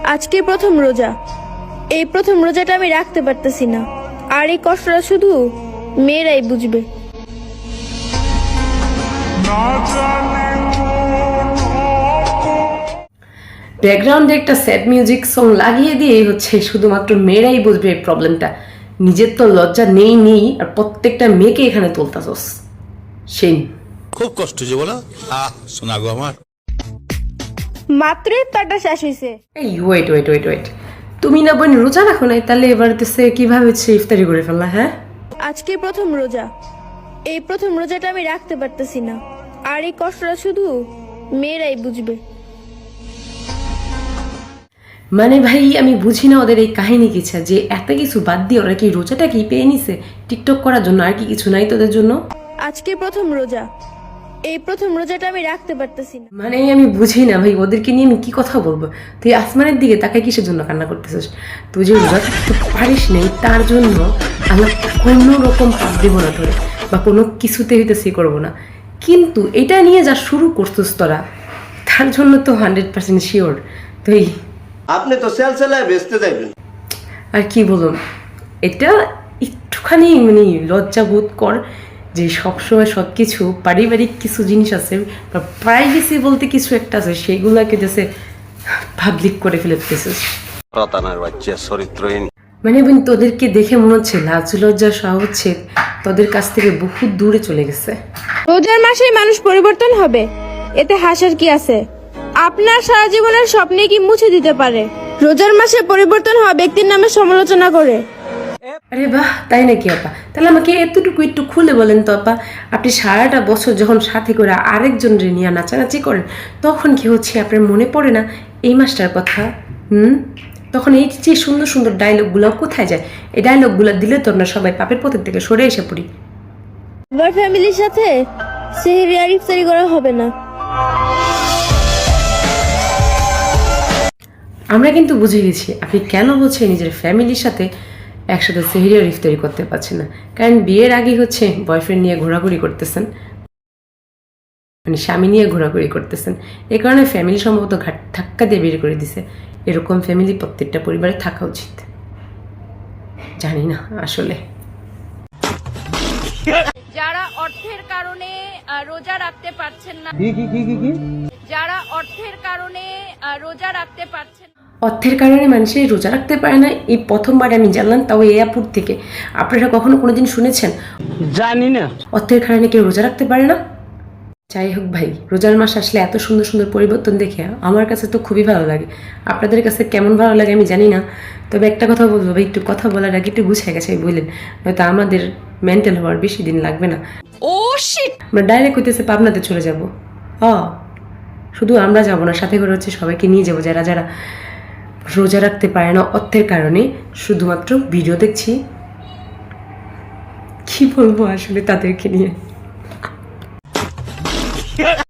আজকে প্রথম রোজা। এই প্রথম রোজাটা আমি রাখতে পারতেছি না, আর এই কষ্টটা শুধু মেয়েরাই বুঝবে। ব্যাকগ্রাউন্ডে একটা স্যাড মিউজিক সং লাগিয়ে দিয়ে হচ্ছে শুধুমাত্র মেয়েরাই বুঝবে এই প্রবলেমটা। নিজের তো লজ্জা নেই আর প্রত্যেকটা মেয়েকে এখানে তুলতাছস। সেই খুব কষ্ট যে বলো শোনা গো আমার। মাত্রই ইফতারটা শেষ হয়েছে। এই ওয়েট, তুমি না বোন রোজা রাখো নাই, তাহলে এবার দেশে কিভাবে হচ্ছে ইফতারি করে ফেললা? হ্যাঁ, আজকে প্রথম রোজা। এই প্রথম রোজাটা আমি রাখতে পারতেছি না, আর এই কষ্টটা শুধু মেয়েরাই বুঝবে। মানে ভাই আমি বুঝি না ওদের এই কাহিনী কিছা যে এত কিছু বাদ দিয়ে ওরা কি রোজাটা কি পেয়ে নিছে টিকটক করার জন্য, আর কি কিছু নাই তোদের জন্য? আজকে প্রথম রোজা। এই প্রথম রোজাটা আমি রাখতে পারতেছি না। মানে আমি বুঝি না ভাই, ওদেরকে নিয়ে আমি কি কথা বলবো? তুই আসমানের দিকে তাকায় কিসের জন্য কান্না করতেছিস? তুই যে রোজা থাকতে পারিস নাই তার জন্য আল্লাহ কোনো রকম পাপ দেবো না ধরে, বা কোনো কিছুতে হইতেছি করবো না, কিন্তু এটা নিয়ে যা শুরু করছিস তোরা, তার জন্য তো 100% শিওর তুই। আপনি তো সেল সেলায় বেচতে যাবেন। আর কি বলুন, এটা একটুখানি মানে লজ্জা বোধ কর যে সবসময় সব কিছু পারিবারিক কিছু জিনিস আছে বা প্রাইভেসি বলতে কিছু একটা আছে, সেগুলোকে যাতে পাবলিক করে ফেলতেছিস। রতানার বাচ্চা চরিত্রহীন। মানে বোন তোদেরকে দেখে মনে হচ্ছে লাজ লজ্জা সহ হচ্ছে তোদের কাছ থেকে বহুত দূরে চলে গেছে। রোজার মাসেই মানুষ পরিবর্তন হবে, এতে হাসার কি আছে? আপনার সারা জীবনের স্বপ্নে কি মুছে দিতে পারে রোজার মাসে পরিবর্তন হওয়া ব্যক্তির নামে সমালোচনা করে? আরে বাহ, তাই নাকি আপা? তাহলে আমাকে এতটুকু একটু খুলে বলেন তো আপা, আপনি সারাটা বছর যখন সাথে করে আরেকজনের নিয়ে নাচানাচি করেন, তখন কি হচ্ছে আপনার মনে পড়ে না এই মাসটার কথা? তখন এই যে সুন্দর সুন্দর ডায়লগগুলো কোথায় যায়? এই ডায়লগগুলো দিলে তো আমরা সবাই পাপের পথের থেকে সরে এসে পড়ি। এবার ফ্যামিলির সাথে সেহরি আর ইফতারি করা হবে না। আমরা কিন্তু বুঝে গেছি আপনি কেন হচ্ছে নিজের ফ্যামিলির সাথে একসাথে সেহরি আর ইফতারি করতে পারছেন না, কারণ বিয়ের আগে হচ্ছে বয়ফ্রেন্ড নিয়ে ঘোরাঘুরি করতেছেন, মানে স্বামী নিয়ে ঘোরাঘুরি করতেছেন। এই কারণে ফ্যামিলি সম্ভবত ধাক্কা দিয়ে বের করে দিছে। এরকম ফ্যামিলি প্রত্যেকটা পরিবারে থাকা উচিত। জানি না আসলে। যারা অর্থের কারণে রোজা রাখতে পারছেন না, যারা অর্থের কারণে রোজা রাখতে পারছেন না, অর্থের কারণে মানুষের রোজা রাখতে পারে না, এই প্রথমবার আমি জানলাম, তাও এয়ারপোর্ট থেকে। আপনারা কখনো কোনোদিন শুনেছেন? জানি না। অর্থের কারণে কেউ রোজা রাখতে পারে না? যাই হোক ভাই, রোজার মাস আসলে এত সুন্দর সুন্দর পরিবর্তন দেখে আমার কাছে তো খুবই ভালো লাগে। আপনাদের কাছে কেমন ভালো লাগে আমি জানি না, তবে একটা কথা বলবো ভাই, একটু কথা বলার আগে একটু গুছিয়ে গেছে বললেন, হয়তো আমাদের মেন্টাল হওয়ার বেশি দিন লাগবে না। ও শিট, আমরা ডাইরেক্ট হইতেছে পাবনাতে চলে যাব। শুধু আমরা যাব না, সাথে করে হচ্ছে সবাইকে নিয়ে যাবো যারা যারা রোজা রাখতে পারে না অর্থের কারণে, শুধুমাত্র ভিডিও দেখছি। কি বলবো আসলে তাদেরকে নিয়ে।